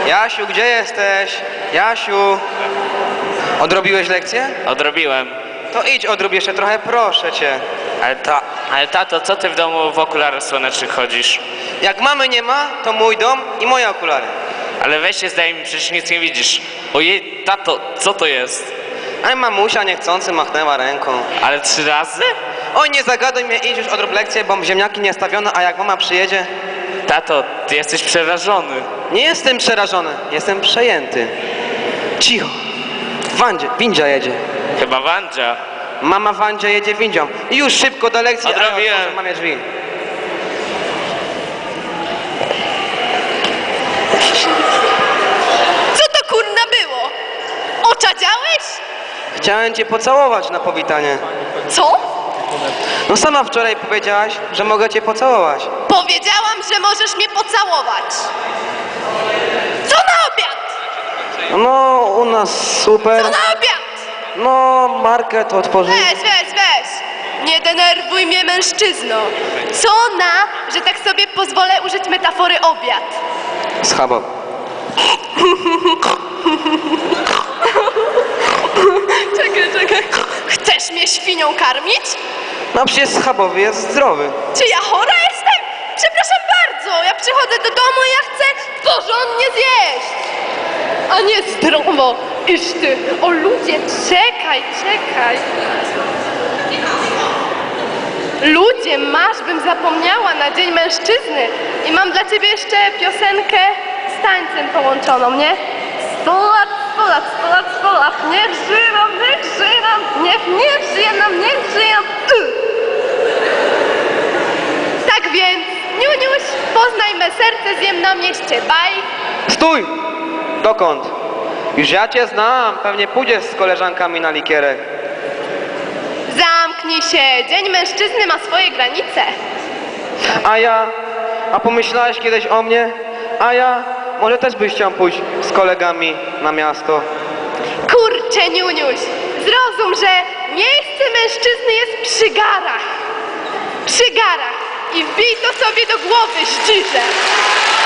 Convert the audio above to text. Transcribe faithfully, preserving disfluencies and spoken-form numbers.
Jasiu, gdzie jesteś? Jasiu! Odrobiłeś lekcję? Odrobiłem. To idź odrób jeszcze trochę, proszę cię. Ale, ta, ale tato, co ty w domu w okularach słonecznych chodzisz? Jak mamy nie ma, to mój dom i moje okulary. Ale weź się zdaj mi, przecież nic nie widzisz. Ojej, tato, co to jest? A mamusia niechcący machnęła ręką. Ale trzy razy? Oj, nie zagaduj mnie, idź już odrób lekcję, bo ziemniaki nie stawiono, a jak mama przyjedzie... Tato, ty jesteś przerażony. Nie jestem przerażony, jestem przejęty. Cicho. Wandzie, windzia jedzie. Chyba Wandzia. Mama Wandzia jedzie windzią. I już szybko do lekcji, a ja Odrobiłem. otworzę mamie drzwi. Co to kurna było? Oczadziałeś? Chciałem cię pocałować na powitanie. Co? No sama wczoraj powiedziałaś, że mogę cię pocałować. Powiedziałam, że możesz mnie pocałować. Co na obiad? No, u nas super. Co na obiad? No, market otworzy. Weź, weź, weź. Nie denerwuj mnie, mężczyzno. Co na, że tak sobie pozwolę użyć metafory obiad? Schabo. Czekaj, czekaj. Chcesz mnie świnią karmić? No przecież schabowy jest zdrowy. Czy ja chora jestem? Przepraszam bardzo, ja przychodzę do domu i ja chcę porządnie zjeść. A nie zdrowo. Iż ty, o ludzie, czekaj, czekaj. Ludzie, masz, bym zapomniała na Dzień Mężczyzny. I mam dla ciebie jeszcze piosenkę z tańcem połączoną, nie? Sto lat, sto lat, sto lat, sto lat, niech żyją, niech żyją, niech nie żyje nam, niech żyją. Y. Tak więc, Niuniuś, poznaj me serce, zjem na mieście, baj. Stój! Dokąd? Już ja cię znam, pewnie pójdziesz z koleżankami na likierek. Zamknij się, Dzień Mężczyzny ma swoje granice. A ja? A pomyślałeś kiedyś o mnie? A ja? Może też byś chciał pójść z kolegami na miasto? Kurczę, Niuniuś, zrozum, że miejsce mężczyzny jest przy garach. Przy garach. I wbij to sobie do głowy, zdzirze.